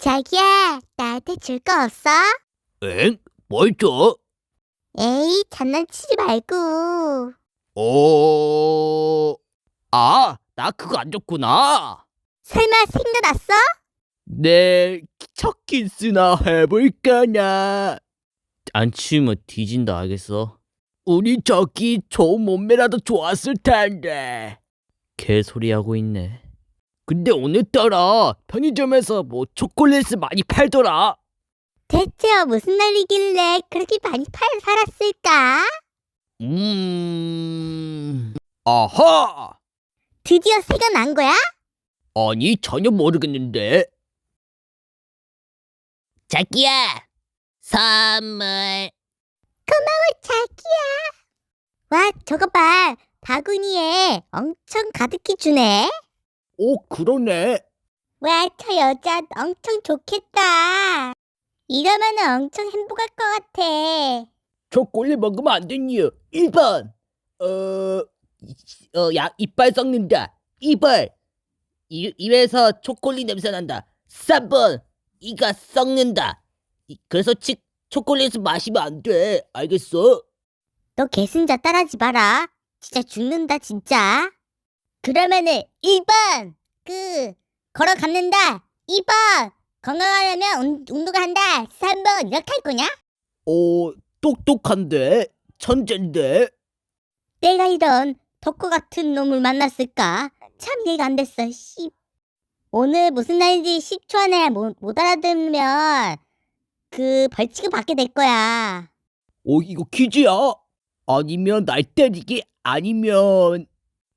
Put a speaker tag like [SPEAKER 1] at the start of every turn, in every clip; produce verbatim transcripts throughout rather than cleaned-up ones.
[SPEAKER 1] 자기야, 나한테 줄 거 없어?
[SPEAKER 2] 엥? 뭘 줘?
[SPEAKER 1] 에이, 장난치지 말고.
[SPEAKER 2] 어... 아, 나 그거 안 줬구나.
[SPEAKER 1] 설마 생각났어?
[SPEAKER 2] 내 첫 키스나 해볼까나. 안 치우면 뒤진다, 알겠어? 우리 저기 좋은 몸매라도 좋았을 텐데. 개소리하고 있네. 근데 오늘따라 편의점에서 뭐 초콜릿을 많이 팔더라.
[SPEAKER 1] 대체 무슨 날이길래 그렇게 많이 팔 살았을까?
[SPEAKER 2] 음... 아하!
[SPEAKER 1] 드디어 생각난 거야?
[SPEAKER 2] 아니, 전혀 모르겠는데. 자기야, 선물.
[SPEAKER 1] 자기야. 와, 저거 봐. 바구니에 엄청 가득히 주네.
[SPEAKER 2] 오, 그러네.
[SPEAKER 1] 와, 저 여자 엄청 좋겠다. 이러면 엄청 행복할 것 같아.
[SPEAKER 2] 초콜릿 먹으면 안 되니요. 일 번. 어, 어, 야, 이빨 썩는다. 이 번. 이, 입에서 초콜릿 냄새 난다. 삼 번. 이가 썩는다. 이, 그래서 치, 초콜릿을 마시면 안 돼. 알겠어?
[SPEAKER 1] 너 개순자 따라하지 마라. 진짜 죽는다, 진짜. 그러면은 일 번, 그, 걸어갔는다. 이 번, 건강하려면 운, 운동을 한다. 삼 번, 이렇게 할 거냐?
[SPEAKER 2] 오, 똑똑한데? 천재인데?
[SPEAKER 1] 내가 이런 덕후 같은 놈을 만났을까? 참 이해가 안 됐어, 씨. 오늘 무슨 날인지 십 초 안에 못, 못 알아들으면 그 벌칙을 받게 될 거야.
[SPEAKER 2] 오, 이거 퀴즈야? 아니면 날 때리기? 아니면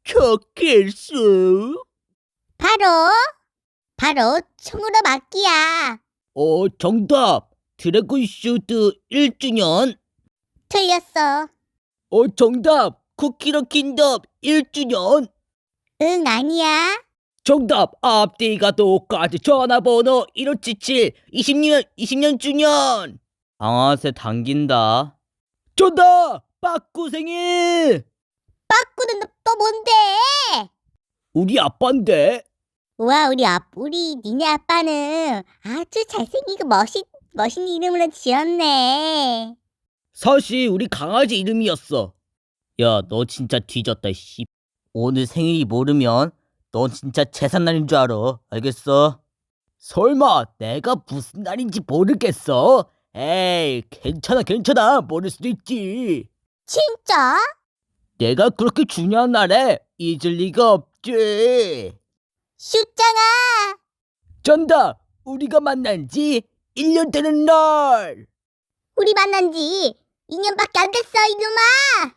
[SPEAKER 2] 초킬수?
[SPEAKER 1] 바로, 바로 총으로 맞기야.
[SPEAKER 2] 어, 정답. 드래곤 슈트 일 주년.
[SPEAKER 1] 틀렸어.
[SPEAKER 2] 어, 정답. 쿠키런 킨덤 일 주년.
[SPEAKER 1] 응, 아니야.
[SPEAKER 2] 정답. 앞뒤가 똑같은 전화번호 일오칠칠 이십 년 이십 년 주년. 방아쇠 당긴다. 정답. 빠꾸 생일.
[SPEAKER 1] 빠꾸는 너, 또 뭔데?
[SPEAKER 2] 우리 아빠인데.
[SPEAKER 1] 와, 우리 아, 우리 니네 아빠는 아주 잘생기고 멋있, 멋있는 이름으로 지었네.
[SPEAKER 2] 사실 우리 강아지 이름이었어. 야, 너 진짜 뒤졌다, 씨. 오늘 생일이 모르면 넌 진짜 재산날인 줄 알아. 알겠어? 설마 내가 무슨 날인지 모르겠어? 에이, 괜찮아, 괜찮아. 모를 수도 있지.
[SPEAKER 1] 진짜?
[SPEAKER 2] 내가 그렇게 중요한 날에 잊을 리가 없지.
[SPEAKER 1] 슈짱아!
[SPEAKER 2] 정답! 우리가 만난 지 일 년 되는 날!
[SPEAKER 1] 우리 만난 지 이 년밖에 안 됐어, 이놈아!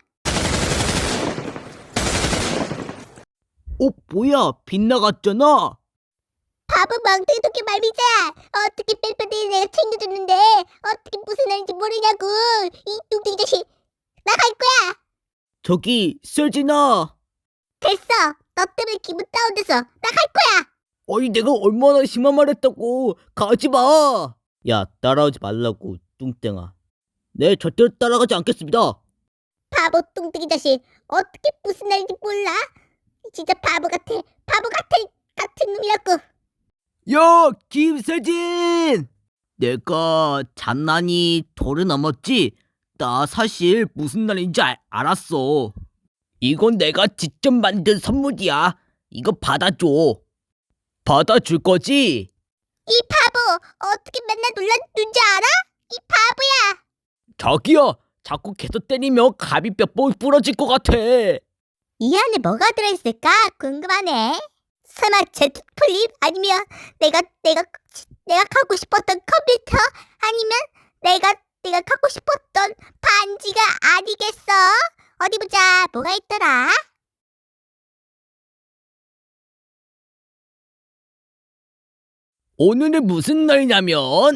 [SPEAKER 2] 어, 뭐야? 빗나갔잖아?
[SPEAKER 1] 바보 멍청이 도끼 말미자! 어떻게 뺄뺄이 내가 챙겨줬는데 어떻게 무슨 날인지 모르냐고! 이 뚱뚱이 자식! 나갈 거야!
[SPEAKER 2] 저기, 세진아!
[SPEAKER 1] 됐어! 너 때문에 기분 다운돼서 나갈 거야!
[SPEAKER 2] 아니, 내가 얼마나 심한 말 했다고! 가지마! 야, 따라오지 말라고, 뚱땡아. 네, 절대로 따라가지 않겠습니다.
[SPEAKER 1] 바보 뚱뚱이 자식! 어떻게 무슨 날인지 몰라? 진짜 바보 같아! 바보 같아! 같은 놈이라고!
[SPEAKER 2] 야, 김세진! 내가 장난이 도를 넘었지? 나 사실 무슨 날인지 알, 알았어. 이건 내가 직접 만든 선물이야. 이거 받아줘. 받아줄 거지?
[SPEAKER 1] 이 바보! 어떻게 맨날 놀라는 줄 알아? 이 바보야!
[SPEAKER 2] 자기야, 자꾸 계속 때리면 갑이 몇 번 부러질 것 같아.
[SPEAKER 1] 이 안에 뭐가 들어있을까? 궁금하네. 설마 제트 플립? 아니면 내가 내가 내가 갖고 싶었던 컴퓨터? 아니면 내가 내가 갖고 싶었던 반지가 아니겠어? 어디 보자. 뭐가 있더라?
[SPEAKER 2] 오늘은 무슨 날이냐면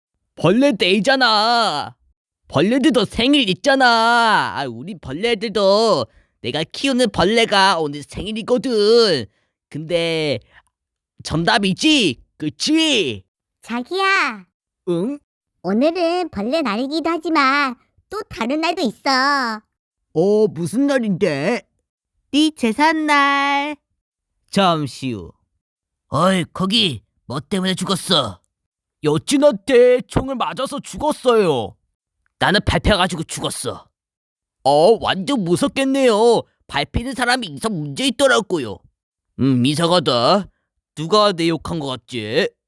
[SPEAKER 2] 벌레데이잖아. 벌레들도 생일 있잖아. 아, 우리 벌레들도 내가 키우는 벌레가 오늘 생일이거든. 근데 정답이지? 그치?
[SPEAKER 1] 자기야.
[SPEAKER 2] 응?
[SPEAKER 1] 오늘은 벌레 날이기도 하지만 또 다른 날도 있어.
[SPEAKER 2] 어, 무슨 날인데? 네 제삿날. 잠시 후. 어이, 거기 뭐 때문에 죽었어? 여친한테 총을 맞아서 죽었어요. 나는 밟혀가지고 죽었어. 어, 완전 무섭겠네요. 밟히는 사람이 이상 문제 있더라고요. 음, 이상하다. 누가 내 욕한 것 같지?